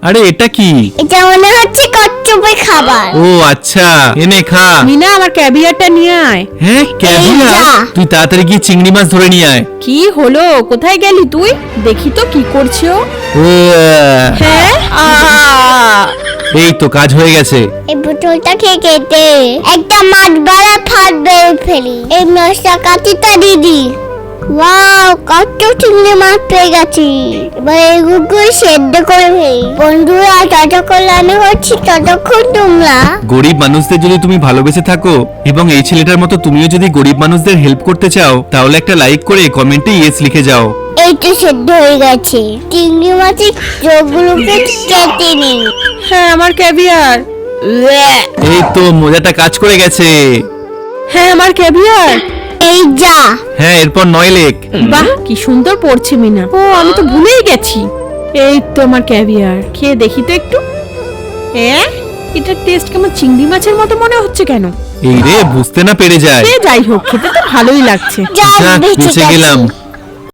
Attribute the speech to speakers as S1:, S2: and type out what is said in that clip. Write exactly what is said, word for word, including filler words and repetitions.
S1: আরে এটা কি?
S2: এটা মনে হচ্ছে কচ্ছপের খাবার।
S1: ও আচ্ছা, এনে খা।
S3: মিনা আমার ক্যাভিয়ারটা নিয়ে আয়।
S1: হ্যাঁ ক্যাভিয়ার? তুই তাড়াতাড়ি গিয়ে চিংড়ি মাছ ধরে নিয়ে আয়।
S3: কি হলো, কোথায় গেলি তুই? দেখি তো কি করছো।
S1: ও
S3: হ্যাঁ,
S1: এই তো কাজ হয়ে গেছে।
S2: এই বোতলটা খেয়ে কেটে একটা মাছ বাড়া ফাট বের ফেলি। এই মাছটা কাটিটা দিদি। ওয়াও, কত চিংড়ি মাছ পেয়ে গেছি। এবার এগুলো সেদ্ধ করে ফেলি। বন্ধুরা, যতক্ষণ রান্না হচ্ছে ততক্ষণ তোমরা
S1: গরিব মানুষদের যদি তুমি ভালোবেসে থাকো এবং এই ছেলেটার মতো তুমিও যদি গরিব মানুষদের হেল্প করতে চাও, তাহলে একটা লাইক করে কমেন্টে ইয়েস লিখে যাও।
S2: এই তো সেদ্ধ হয়ে গেছে। চিংড়ি মাছের চোখগুলোকে কেটে নিন।
S3: হ্যাঁ আমার ক্যাভিয়ার।
S1: এই তো মজাটা কাজ করে গেছে।
S3: হ্যাঁ আমার ক্যাভিয়ার।
S2: এই যা।
S1: হ্যাঁ, এরপর নয় লেক।
S3: বাহ, কি সুন্দর পড়ছে মিনা। ও, আমি তো ভুলেই গেছি। এই তো আমার ক্যাভিয়ার, খেয়ে দেখি তো একটু। হ্যাঁ, এটা টেস্ট কেমন চিংড়ি মাছের মতো মনে হচ্ছে কেন?
S1: এই রে, বুঝতে না পেরে যায়।
S3: সে যাই হোক, খেতে তো ভালোই লাগছে।
S2: যা,
S1: যাক,
S2: বেঁচে
S1: বেঁচে
S2: গেছি।
S1: গেলাম।